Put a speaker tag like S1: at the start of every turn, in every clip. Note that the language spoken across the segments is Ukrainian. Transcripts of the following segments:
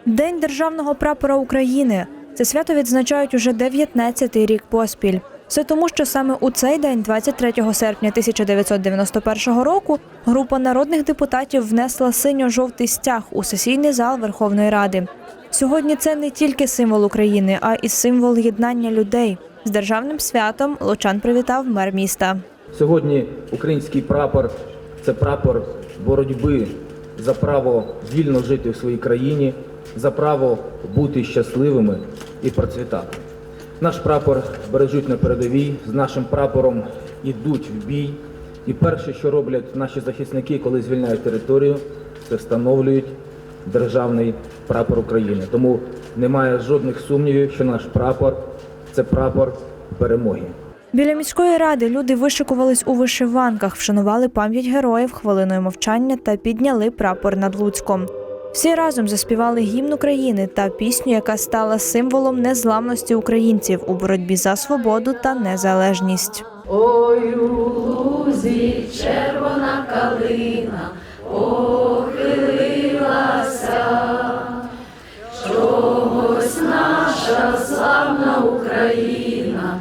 S1: День Державного прапора України. Це свято відзначають уже 19-й рік поспіль. Все тому, що саме у цей день, 23 серпня 1991 року, група народних депутатів внесла синьо-жовтий стяг у сесійний зал Верховної Ради. Сьогодні це не тільки символ України, а й символ єднання людей. З державним святом лучан привітав мер міста.
S2: Сьогодні український прапор – це прапор боротьби за право вільно жити в своїй країні, за право бути щасливими і процвітати. Наш прапор бережуть на передовій, з нашим прапором йдуть в бій. І перше, що роблять наші захисники, коли звільняють територію, це встановлюють державний прапор України. Тому немає жодних сумнівів, що наш прапор – це прапор перемоги.
S1: Біля міської ради люди вишикувались у вишиванках, вшанували пам'ять героїв хвилиною мовчання та підняли прапор над Луцьком. Всі разом заспівали гімн України та пісню, яка стала символом незламності українців у боротьбі за свободу та незалежність.
S3: Ой, у лузі червона калина похилилася, чогось наша славна Україна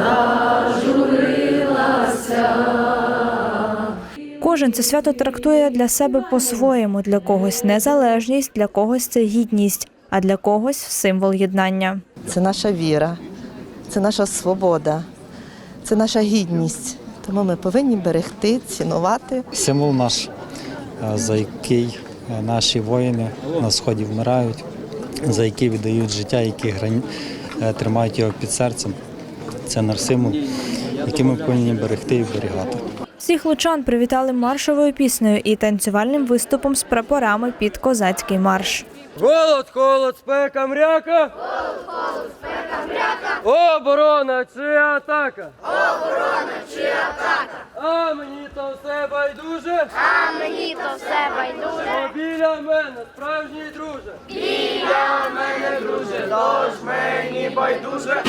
S3: зажурилася.
S1: Кожен це свято трактує для себе по-своєму. Для когось незалежність, для когось це гідність, а для когось символ єднання.
S4: Це наша віра, це наша свобода, це наша гідність. Тому ми повинні берегти, цінувати.
S5: Символ наш, за який наші воїни на сході вмирають, за який віддають життя, які тримають його під серцем. Це наш символ, який ми повинні берегти і вберігати.
S1: Всіх лучан привітали маршовою піснею і танцювальним виступом з прапорами під козацький марш.
S6: Голод, холод, спека, мряка. Голод, холод, спека, мряка. Оборона чи атака?
S7: Оборона чи атака?
S6: А мені то все байдуже.
S7: А мені то все байдуже.
S6: Бо біля мене справжній друже.
S7: Біля мене, друже,
S6: Тож мені байдуже.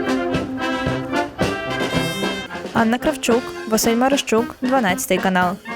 S1: Анна Кравчук, Василь Марищук, 12 канал.